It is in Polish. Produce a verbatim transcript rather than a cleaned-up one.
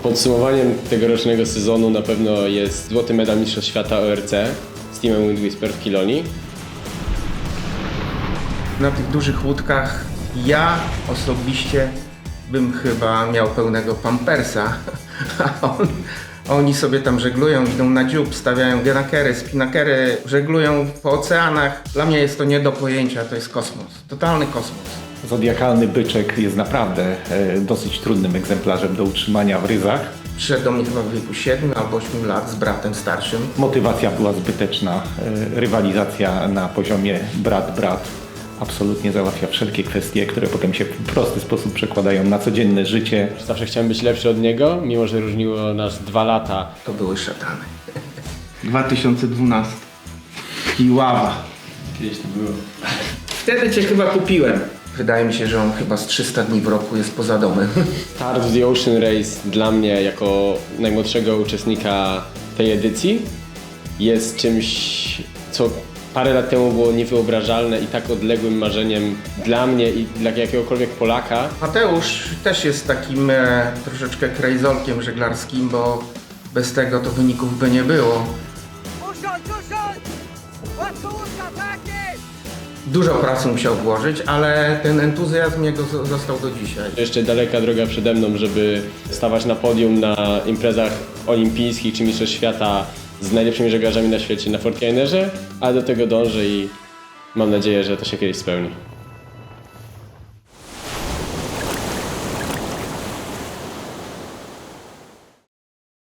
Podsumowaniem tegorocznego sezonu na pewno jest złoty medal Mistrzostw Świata O R C z teamem Wind Whisper w Kilonii. Na tych dużych łódkach ja osobiście bym chyba miał pełnego pampersa, a on, oni sobie tam żeglują, idą na dziób, stawiają genakery, spinakery, żeglują po oceanach. Dla mnie jest to nie do pojęcia, to jest kosmos, totalny kosmos. Zodiakalny byczek jest naprawdę e, dosyć trudnym egzemplarzem do utrzymania w ryzach. Przyszedł do mnie chyba w wieku siedmiu albo ośmiu lat z bratem starszym. Motywacja była zbyteczna, e, rywalizacja na poziomie brat-brat absolutnie załatwia wszelkie kwestie, które potem się w prosty sposób przekładają na codzienne życie. Zawsze chciałem być lepszy od niego, mimo że różniło nas dwa lata. To były szatany. dwa tysiące dwunasty. Kiława. Kiedyś to było. Wtedy cię chyba kupiłem. Wydaje mi się, że on chyba z trzysta dni w roku jest poza domem. Start w The Ocean Race dla mnie jako najmłodszego uczestnika tej edycji jest czymś, co parę lat temu było niewyobrażalne i tak odległym marzeniem dla mnie i dla jakiegokolwiek Polaka. Mateusz też jest takim e, troszeczkę krejzolkiem żeglarskim, bo bez tego to wyników by nie było. Dużo pracy musiał włożyć, ale ten entuzjazm jego z- został do dzisiaj. Jeszcze daleka droga przede mną, żeby stawać na podium na imprezach olimpijskich czy Mistrzostw Świata z najlepszymi żeglarzami na świecie na Fortlinerze, ale do tego dążę i mam nadzieję, że to się kiedyś spełni.